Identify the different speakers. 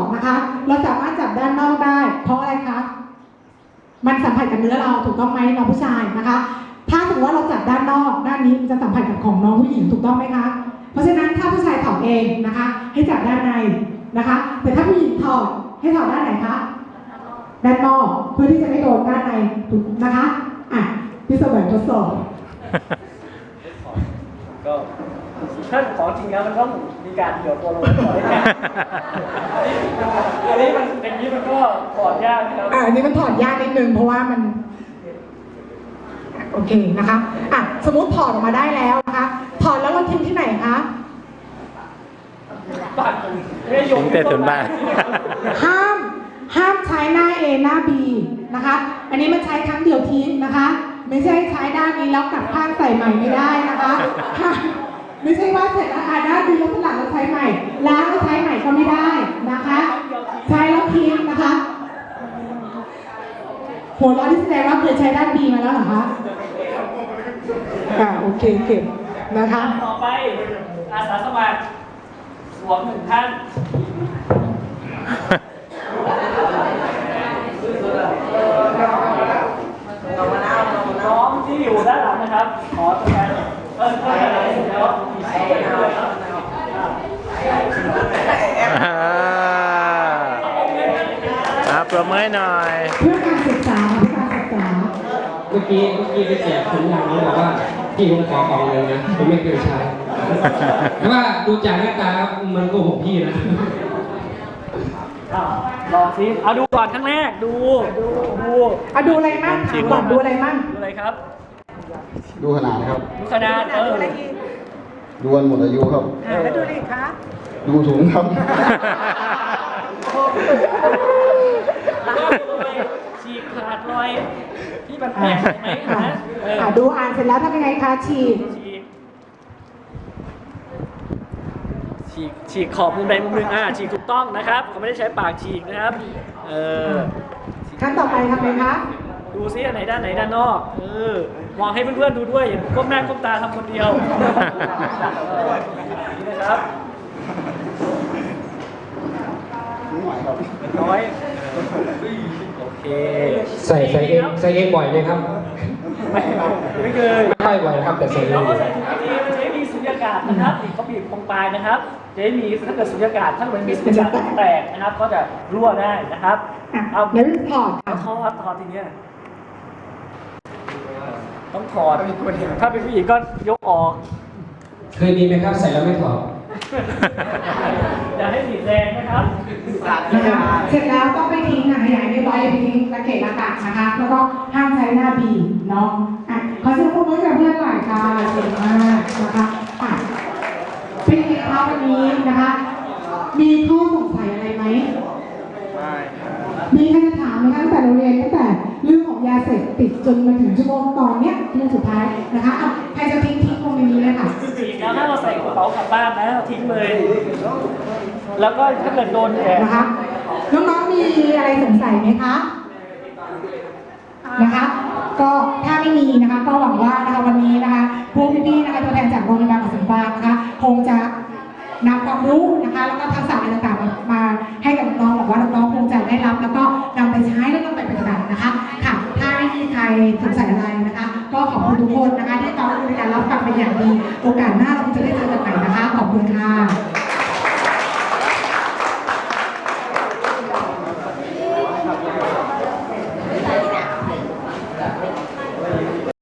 Speaker 1: นะคะเราสามารถจับด้านนอกได้เพราะอะไรคะมันสัมผัสกับเนื้อเราถูกต้องไหมน้องผู้ชายนะคะถ้าสมมติว่าเราจับด้านนอกด้านนี้มันจะสัมผัสกับของน้องผู้หญิงถูกต้องไหมคะเพราะฉะนั้นถ้าผู้ชายถอดเองนะคะให้จับด้านในนะคะแต่ถ้าผู้หญิงถอดให้ถอดด้านไหนคะด้านนอกเพื่อที่จะไม่โดนด้านในถูกนะคะอ่ะพี่เสมอทดสอบ
Speaker 2: ก็ถ้าของจริงแล้วมันต้องมีการเดี่ยวตัวลงก่อนได้ไหมอันนี้มันอย่างนี้มันก็ถอดยากนะครับ
Speaker 1: อันนี้มันถอดยากนิดนึงเพราะว่ามันโอเคนะคะอ่ะสมมติถอดออกมาได้แล้วนะคะถอดแล้วเราทิ้งที่ไหนคะ
Speaker 3: ทิ้งแต่ส่วนบ้าน
Speaker 1: ห้ามใช้หน้า A หน้า B นะคะอันนี้มันใช้ครั้งเดียวทิ้งนะคะไม่ใช่ใช้ด้านนี้แล้วกลับข้างใส่ใหม่ไม่ได้นะคะไม่ใช่ว่าเสร็จแล้วด้านนี้แล้วสลับแล้วใช้ใหม่ล้างแล้วใช้ใหม่ก็ไม่ได้นะคะใช้แล้วทิ้งนะคะหัวเราะที่แสดงว่าเคยใช้ด้าน B มาแล้วเหรอคะโอเคเก็บนะคะ
Speaker 2: ต่อไปอาสาสมัครสวมหนึ่งท่านน้องที่อยู่ด้านหลังนะครับขอตัวแทนแล้ว
Speaker 3: ปรบมือหน่อย
Speaker 1: เพื่อการศึกษาเพื่อการศึกษา
Speaker 4: เมื่อกี้ไปแจกถุงยางนี้บอกว่าพี่ผมขอของเลยนะผมไม่เคยใช้แต่ว่าดูจากหน้าตามันโกหกพี่นะ
Speaker 2: ลองซิเอาดูก่อนครั้งแรกดู
Speaker 1: ดูอะไรมั่งก่อนดูอะไรมั่ง
Speaker 2: ดูอะไรครับ
Speaker 5: ดูขนาดครับ
Speaker 2: ดูขนาด
Speaker 5: ดูวันหมดอายุครับ
Speaker 1: แล้วดูอะไรคะ
Speaker 5: ดูถุงครับ
Speaker 2: ฉีกขาดรอยที่มันแตกไหมนะ
Speaker 1: ดูอ่านเสร็จแล้วทำยังไงคะ
Speaker 2: ฉีกขอบมุมใดมุมหนึ่งฉีกถูกต้องนะครับเขาไม่ได้ใช้ปากฉีกนะครับ
Speaker 1: ขั้นต่อไปทำไงคะ
Speaker 2: ดูซิอันไหนด้านไหนด้านนอกมองให้เพื่อนๆดูด้วยอย่าก้มหน้าก้มตาทำคนเดียวนี่นะครับน้อยโอเค
Speaker 4: ใส่เองบ่อยไหมครับ
Speaker 2: ไม่เคย
Speaker 4: ไม่บ่อยครับแต่ใส่เอง
Speaker 2: ใส่ถุงดีมันจะมีสุญญากาศนะครับเขาบีบตรงปลายนะครับจะมีถ้าเกิดสุญญากาศถ้ามันมีสุญญากาศแตกนะครับก็จะรั่วได้นะครับ
Speaker 1: เอาแล้วถอด
Speaker 2: ทีนี้ต้องถอดถ้าเป็นผู้หญิงก็ยกออก
Speaker 4: เคยมีไหมครับใส่แล้วไม่ถอด
Speaker 2: อย่าให้บีบแรงนะครับ
Speaker 1: เสร็จแล้วต้องไปทิ้งขยายในใบไปทิ้งระเกะระกะนะคะแล้วก็ห้ามใช้หน้าบีเนาะขอเชิญพวกเพื่อนกับเพื่อนหน่อยค่ะเก่งมากนะคะเป็นไงคะวันนี้นะคะมีข้อสงสัยอะไรไหมมีใครจะถามไหมคะตั้งแต่เราเรียนตั้งแต่เรื่องของยาเสพติดจนมาถึงชั่วโมงตอนเนี้ยเรื่องสุดท้ายนะคะใครจะทิ้งลงในนี้เลยค่ะ
Speaker 2: แล้วถ้าเราใส่กระเป๋ากลับบ้านนะทิ้งเลยแล้วก็ถ้าเกิดโดน
Speaker 1: นะคะน้องๆมีอะไรสงสัยไหมคะนะคะก็ถ้าไม่มีนะคะก็หวังว่านะคะวันนี้นะคะพวกพี่ๆนะคะตัวแทนจากโรงพยาบาลกสิกรนะคะคงจะนำความรู้นะคะแล้วก็